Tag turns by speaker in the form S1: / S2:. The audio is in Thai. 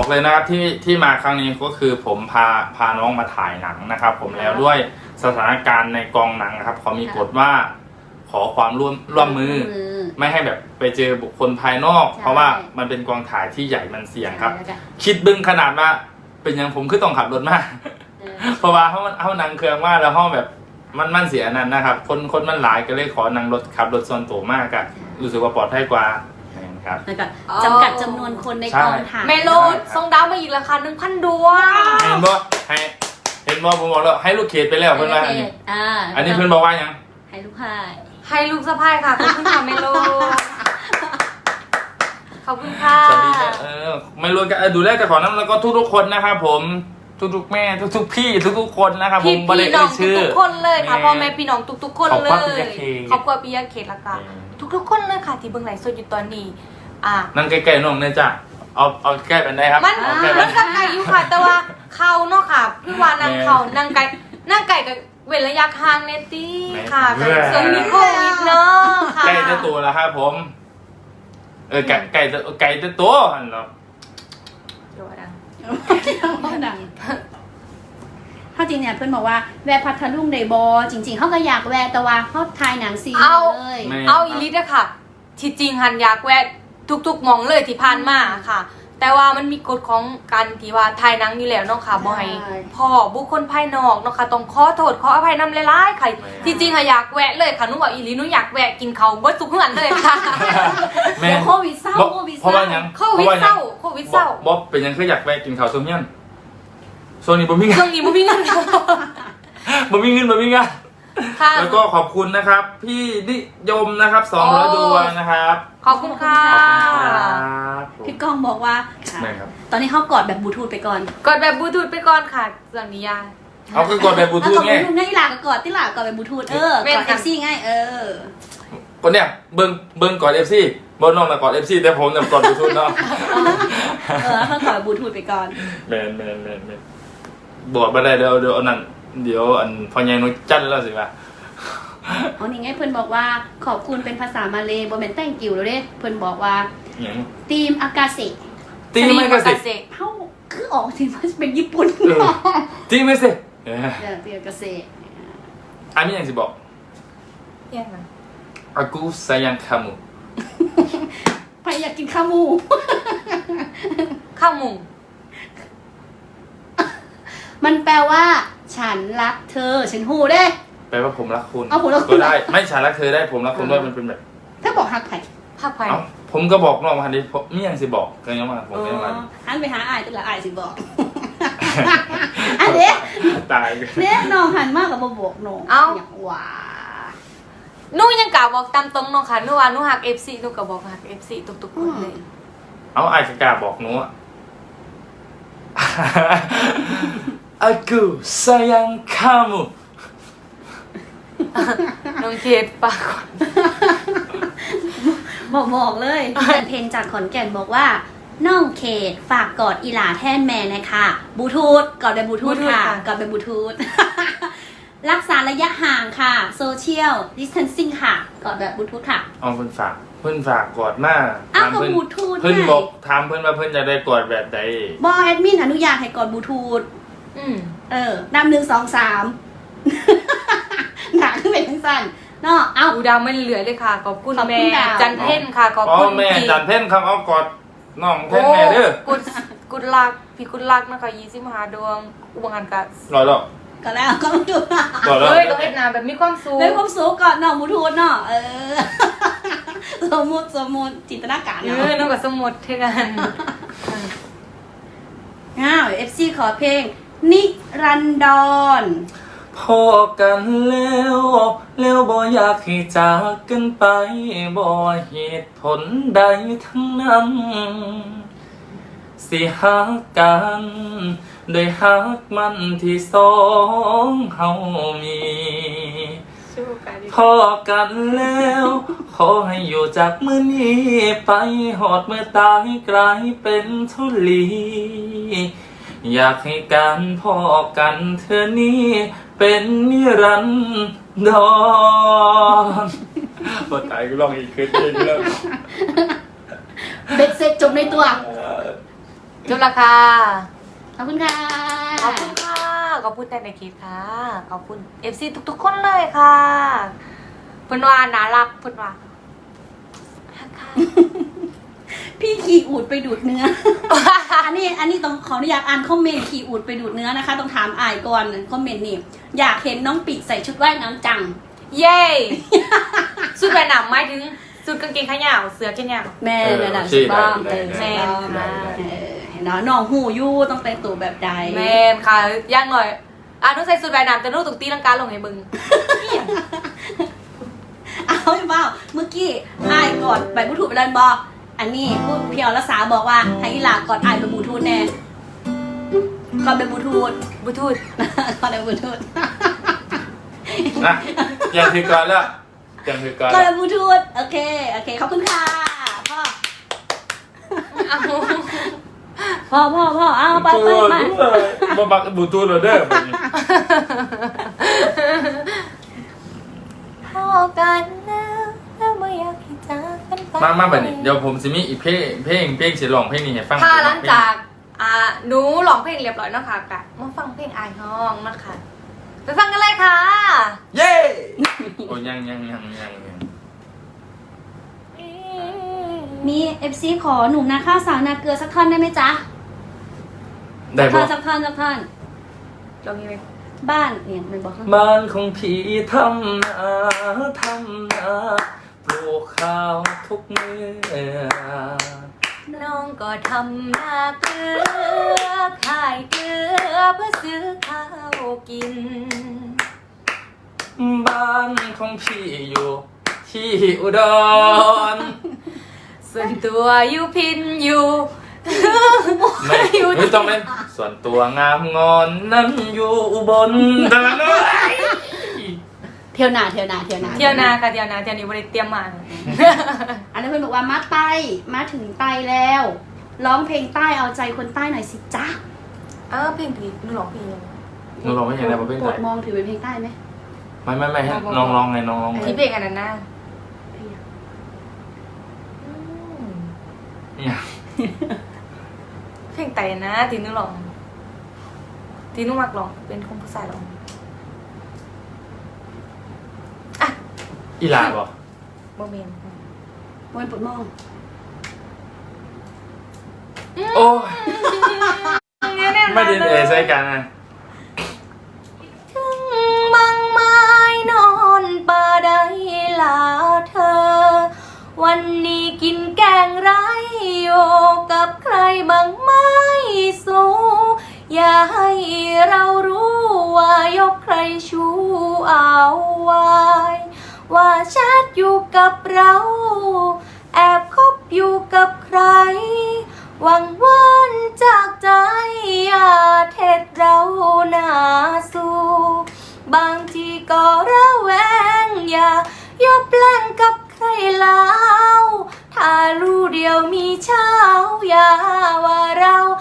S1: บอกเลยนะครับที่มาครั้งนี้ก็คือผมพาน้องมาถ่ายหนังนะครับ ผมแล้วด้วยสถานการณ์ในกองหนังนะครับเขามีกฎว่าขอความร่วมมือไม่ให้แบบไปเจอบุคคลภายนอกเพราะว่ามันเป็นกองถ่ายที่ใหญ่มันเสี่ยงครับคิดบึ้งขนาดว่าเป็นอย่างผมคือต้องขับรถมากเพราะว่าเขานั่งเครื่องว่าแล้วห้องแบบมันเสียนั่นนะครับคนมันหลายก็เลยขอนั่งรถขับรถส่วนตัวมากอะรู้สึกว่าปลอดภัยกว่าครับ
S2: แล้วก็จำกัดจำนวนคนในกองถ่าย
S3: เมโลส่งดาวมาอีกราคา 1,000 ดวง
S1: เห็นบ่ผมบอกแล้วให้ลูกเขตไปแล้วเพื่อนว่าอันนี้เพื่อนบอกว่ายัง
S2: ให้ลูกพาย
S3: ให้ลูกสะพ้ายค่ะขอบคุณค่ะเมโลขอบคุณค่ะ
S1: สวัสดีครับไม่รู้กันดูแลแต่ขอน้ำแล้วก็ทุกคนนะครับผมทุกๆแม่ทุกๆพี่ทุกๆคนนะครับผม
S3: พี่น้องทุกๆคนเลยค่ะพ่อแม่พี่น้องทุกๆคนเลยขอบคุณพี่ยาเขตละกันทุกๆคนเลยค่ะที่เบิ่งไลฟ์สดอยู่ตอนนี้
S1: นั่งใกล้ๆน้องเนี่ยจ้ะเอาใกล้กันได้ครับ
S3: มันก็ไกลอยู่ค่ะแต่ว่าเขาเนาะค่ะพี่วานนั่งเขานั่งไก่กับเว้นระยะห่างเนตี้ค่ะส่วนมีโควิดเนาะค่ะ
S1: ใกล้จะตัวแล้วครับผมไก่จะตัวอันเนาะ
S2: ดังเขาจริงเนี่ยเพื่อนบอกว่าแวะพัทลุงไดบอจริงๆเขาก็อยากแวะแต่ว่าเขาถ่ายหนังซีเลย
S3: เอาอีลิทอะค่ะที่จริงหันอยากแวะทุกๆมองเลยที่ผ่านมาค่ะแต่ว่ามันมีกฎของการที่ว่าถ่ายหนังอยู่แล้วเนาะค่ะบ่ให้พ่อบุคคลภายนอกเนาะค่ะต้องขอโทษขออภัยนำหลายๆค่ะที่จริงอยากแวะเลยค่ะหนูบอกอีลิทหนูอยากแวะกินเขาเบิดทุกเฮือนเลยค่ะ
S2: โควิดเศร้า
S1: เพราะว่ายัง
S3: โควิดเศร้า
S1: บ๊อบเป็นยังคืออยากแวะกินข้าวซุ่มยันช่วงนี้บ่มีเงิน
S3: บ่มีเงิน
S1: แล้วก็ขอบคุณนะครับพี่นิยมนะครับ200 ดวงนะครับ
S3: ขอบคุณค่ะ
S2: พี่ก้องบอกว่าตอนนี้เขากอดแบบบลูทูธไปก่อน
S3: กอดแบบบลูทูธไปก่อนค่ะเรื่องนี้ยา
S1: เอาคือกอดแบบบลูทูธไง
S2: ง่ายหลากกอดที่หลากกอดแบบบลูทูธกอดเอฟซีง่าย
S1: คนเนี้ยเบิ้งกอดเอฟซีบนน้องนะกอดเอฟซีแต่ผมเนี่ยกอดบลูทูธเนาะ
S2: เขากอดแบบบลูทูธไปก่อน
S1: แมนบอกมาได้เดี๋ยวอันนั้นเดี๋ยวอันพอใหญ่นุ้ยจันแล้วสิป่ะ
S2: อ๋อนี่ไงเพื่อนบอกว่าขอบคุณเป็นภาษามาเลยบอมเมนแต้งกิวแล้วเด้เพื่อนบอกว่าทีมอากาเซ
S1: ทีมอากาเซ
S2: เขาคือออกทีมเป็นญี่ปุ่น
S1: ทีมอากาเซ
S2: ทีมอากาเซ
S1: อันนี้ยังสิบอก
S3: ยังไง
S1: อากูซายังคามู
S2: ใครอยากกินข้าวหมูมันแปลว่าฉันรักเธอฉันหูเด้
S1: แปลว่าผมรักคุณ
S2: ก็
S1: ได้ไม่ฉันรักเธอได้ผมรักคุณด้วยมันเป็นแบบ
S2: ถ้าบอกหักไผ่
S1: ผมก็บอกน้องมาดิผมนี่ยังสิบอกกันยังมาผมไม่มา
S2: หันไปหาอายแต่ละอายสิบอกอันเนี้ย
S1: ตาย
S2: เนี่ยน้องหันมากกับบอกน้องอย่างว่า
S3: นูยังกล่าวบอกตามตรงน้องค่ะนูว่านูหัก FC นูก็บอกหัก FC ทุกๆคนเลย
S1: เอาอายกล้าบอกหนูAku sayang kamu
S3: น้องเคสปากก่อน
S2: บอกเลยเพลงจากขอนแก่นบอกว่าน้องเคสฝากกอดอีหลาแทนแม่นะคะบลูทูธกอดแบบบลูทูธค่ะกอดแบบบลูทูธรักษาระยะห่างค่ะโซเชียลดิสเทนซิ่งค่ะกอดแบบบลูทูธค่ะ
S1: เพิ่นฝากกอดมา
S2: กับบลูทูธ
S1: เพิ่นบอกถามเพิ่นว่าเพิ่นจะได้กอดแบบใด
S2: บอกแอดมินอนุญาตให้กอดบลูทูธนำ1 2 3หนาขึ้นไปทั้งสั้นเนาะเอา
S3: ดาวไม่เหลือเลยค่ะขอบคุณแม่จันเพ่นค่ะขอบคุณ
S1: แม่จันเพ่นครับเอากอดน้องเพ่นแม่เด้อ
S3: กุดลักพี่กุดลักนะคะ25 ดวงอุบังกัน
S1: รอแล้ว
S2: ก็แล้วก็ดู
S3: เฮ้ยเราเอ็ดนาแบบมีความสุข
S2: ก่อนน้องบลูทูธเนาะสมมติจินตนาการ
S3: เนาะน้องกับสมมติเท่ากัน
S2: FC ขอเพลงนิรันดร
S1: พอกันแล้วบ่อยากให้จากกันไปบ่เหตุผลใดทั้งนั้นสิหักกันโดยหักมันที่สองเฮามีพอกันแล้วขอให้อยู่จากมื้อนี้ไปหอดเมื่อตายกลายเป็นทุลีอยากให้การพอกันเธอนี้เป็นนิรันดรบทตายก็ลองอีกคืนนึงแล้ว
S2: เบ็ดเสร็จจบในตัว
S3: จบละค่ะ
S2: ขอบคุณค่ะ
S3: ขอบคุณค่ะขอบคุณแต่ในคลิปค่ะขอบคุณ FC ทุกๆคนเลยค่ะเพิ่นว่าน่ารักเพิ่นว่าฮักค่ะ
S2: พี่ขี่อูดไปดูดเนื้อ อันนี้ต้องขออนุญาตอ่านคอมเมนต์ขี่อูดไปดูดเนื้อนะคะ ต้องถามอายก่อนคอมเมนต์นี่อยากเห็นน้องปีใส่ชุดว่ายน้ำจัง
S3: เย้สุดแบบหนำหมายถึงสุดกางเกงขายาวเสื้อแขนยาว
S2: แม่ระดับสุดบ้าง
S1: ได้
S3: แม่
S1: ได้
S2: เห็นเนาะน้องหูยู่ต้องแต่งตัวแบบใด
S3: แม่นค่ะย่างหน่อยหนูใส่สุดแบบหนำแต่หนูต้องตีลังกาลงให้มึง
S2: เอาไม่เปล่าเมื่อกี้อายกอดไปบลูทูธไปแล้วบอกอันนี้พูดเพียวรักษาบอกว่าให้อีหลากอดอายไปบลูทูธแน่กอดไปบลูทูธ
S3: บลูทูธ
S2: กอดไปบลูทูธ
S1: นะยังถือก่อนแล้วยังถือก่อน
S2: กอด
S1: แล้
S2: ไป
S1: ว
S2: บลูทูธโอเคขอบคุณค่ะพ่อ
S3: เอา
S2: พ่อเอาไป
S1: บ่บักบลูทูธเลยเด้อบัดนี้
S3: พอกันแล้วไม่อยากให้จากกันไป
S1: มาบัดนี้เดี๋ยวผมสิมีอีกเพลงสิร้องเพลงนี้ให้ฟัง
S3: ค่ะหลังจากหนูร้องเพลงเรียบร้อยเนาะค่ะกะมาฟังเพลงอายห้องนะคะไปฟังกันเลยค่ะ
S1: เย้โอ้ยัง
S2: มี FC ขอหนุ่มนาข้าวสาวนาเกลือสักท่อนได้ไหมจ๊ะ
S1: ได้บ่
S2: สักท่อน
S3: ลองนี้เลย
S2: บ้านเนี่ยมันบอก
S1: บ้านของพี่ทำนาปลูกข้าวทุกมื้อ
S3: น้องก็ทำนาเกลือขายเกลือเพื่อซื้อข้าวกิน
S1: บ้านของพี่อยู่ที่อุดร
S3: ส่วนตัวอยู่พินอยู่
S1: ไม่ต้องเล่นส่วนตัวงามงอนนั้นอยู่อุบลแต่ละเลย
S2: เที่ยวนา
S3: เที่ยวนาค่ะเที่ยวนาเที่ยวนี้บริเตรียมมา
S2: อันนั้นเพื่อนบอกว่ามาถึงใต้แล้ว ร้องเพลงใต้เอาใจคนใต้หน่อยสิจ๊ะ
S3: เพลงผีหนูร้องเพลง
S1: หนูร้องไม่เห็นอะไรประเภท
S2: โป
S1: ไห
S2: ร
S1: น
S2: ดมองถือเป็นเพลงใต้ไหม
S1: ไม่ให้น้องร้องไงน้องร้องไง
S3: ที่เพลงอันนั้นนะ
S2: เพลงอะ
S1: เนี่ย
S3: เพลงไต่นะที่หนูร้องที่หนูมักร้องเป็นคนผู้ชายร้อง
S1: อีหลาบอก
S3: โมเมนต์
S2: มวยปวดมอง
S1: โอ้ยไม่ได้ใส่กันนะ
S3: ถึงบางไม้นอนป่าใดลาเธอ วันนี้กินแกงไรโยกับใครบางไม้สูอย่าให้เรารู้ว่ายกใครชูเอาไว้ว่าแชทอยู่กับเรา แอบคบอยู่กับใคร หวังวันจากใจอย่าเท็ดเราหน้าสู้บางทีก็ระแวงอย่ายบแล่งกับใครแล้วถ้ารู้เดียวมีเช้าอย่าว่าเรา